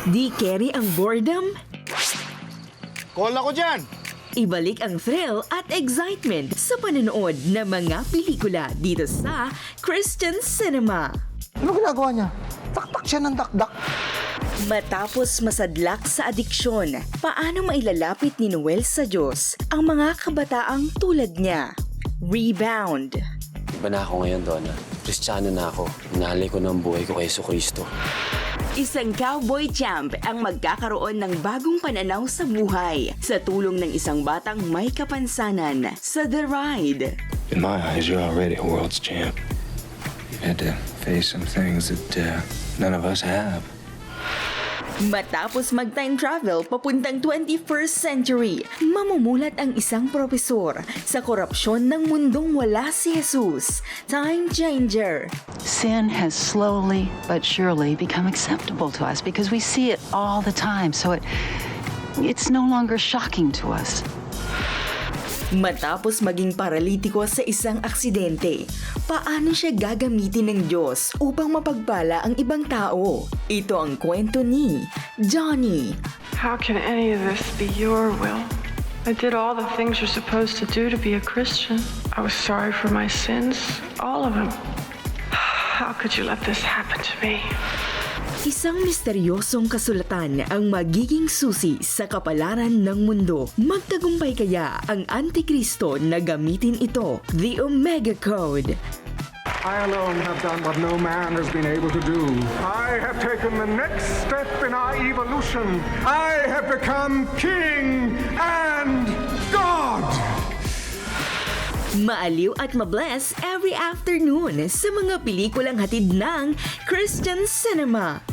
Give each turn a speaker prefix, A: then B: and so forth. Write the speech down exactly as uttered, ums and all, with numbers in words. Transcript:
A: Di carry ang boredom?
B: Call ako dyan!
A: Ibalik ang thrill at excitement sa panonood ng mga pelikula dito sa Christian Cinema.
C: Ano ginagawa niya? Taktak siya ng dakdak.
A: Matapos masadlak sa adiksyon, paano mailalapit ni Noel sa Diyos ang mga kabataang tulad niya? Rebound.
D: Iba na ako ngayon, Donna. Kristiyano na ako. Inalay ko ng buhay ko kay Yesu Cristo.
A: Isang cowboy champ ang magkakaroon ng bagong pananaw sa buhay sa tulong ng isang batang may kapansanan sa The Ride.
E: In my eyes, you're already a world's champ. You've had to face some things that uh, none of us have.
A: Matapos mag-time travel papuntang twenty-first century, mamumulat ang isang propesor sa korupsyon ng mundong wala si Jesus. Time changer.
F: Sin has slowly but surely become acceptable to us because we see it all the time, so it it's no longer shocking to us.
A: Matapos maging paralitiko sa isang aksidente, paano siya gagamitin ng Diyos upang mapagpala ang ibang tao? Ito ang kwento ni Johnny.
G: How can any of this be your will? I did all the things you're supposed to do to be a Christian. I was sorry for my sins, all of them. How could you let this happen to me?
A: Isang misteryosong kasulatan ang magiging susi sa kapalaran ng mundo. Magtagumpay kaya ang Antikristo na gamitin ito, the Omega Code.
H: I alone have done what no man has been able to do. I have taken the next step in our evolution. I have become king and God!
A: Maaliw at mabless every afternoon sa mga pelikulang hatid ng Christian Cinema.